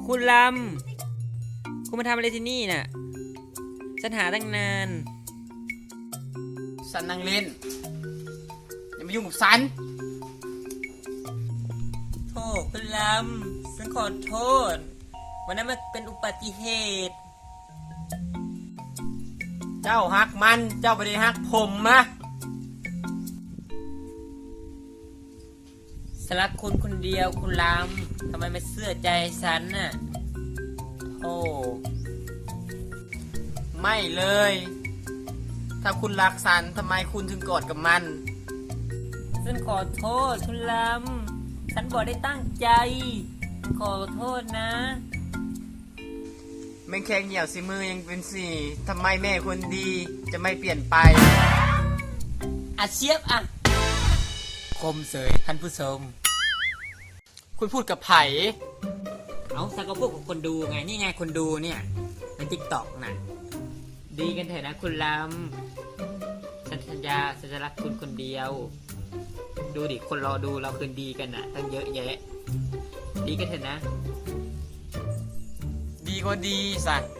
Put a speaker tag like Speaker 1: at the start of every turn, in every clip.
Speaker 1: คุณลำคุณมาทำอะไรที่นี่น่ะฉันหาตั้งนาน
Speaker 2: สันนั่งเล่นอย่ามายุ่งกับสัน
Speaker 1: โทษคุณลำฉันขอโทษวันนั้นมันเป็นอุบัติเหตุ
Speaker 2: เจ้าฮักมันเจ้าไม่ได้ฮักผมมะ
Speaker 1: ฉันรักคุณคนเดียวคุณลำทำไมไม่เชื่อใจฉันน่ะโอ้
Speaker 2: ไม่เลย ถ้าคุณรักสันทำไมคุณถึงกอดกับมัน
Speaker 1: ฉันขอโทษคุณลำฉันบอกได้ตั้งใจขอโทษนะ
Speaker 2: แม่งแค่เหี่ยวสิมือยังเป็นสี่ทำไมแม่คนดีจะไม่เปลี่ยนไป
Speaker 1: อาเชียบอ่ะคมเสยท่านผู้ชม
Speaker 2: คุณพูดกับไผ่
Speaker 1: เอาสักก็พูดกับคนดูไงนี่ไงคนดูเนี่ยในติ๊กต็อกน่ะดีกันเถอะนะคุณลำฉันสัญญาฉันจะรักคุณคนเดียวดูดิคนรอดูเราคืนดีกันน่ะตั้งเยอะแยะดีกันเถอะนะ
Speaker 2: ดีก็ดีสัน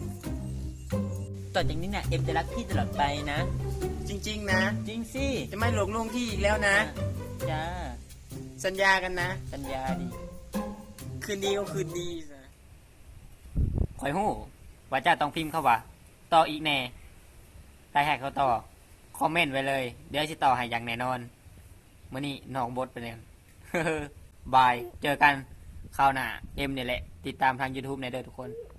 Speaker 1: ต่อจากนี้เนี่ยเอ็มจะรักพี่ตลอดไปนะ
Speaker 2: จริงๆนะ
Speaker 1: จริงสิ
Speaker 2: จะไม่หลงลงที่อีกแล้วนะ
Speaker 1: จ้า
Speaker 2: สัญญากันนะ
Speaker 1: สัญญาดิ
Speaker 2: คืนดีก็คืนดีสะ
Speaker 1: ข่อยหู้ว่าจ้าต้องพิมพ์เข้าว่าต่ออีกแน่ใครแหกเขาต่อคอมเมนต์ไว้เลยเดี๋ยวจะต่อให้อย่างแน่นอนมื้อนี้น้องบดไปเลยบายเจอกันคราวหน้าเอ็มเนี่ยแหละติดตามทาง YouTube ในเด้อทุกคน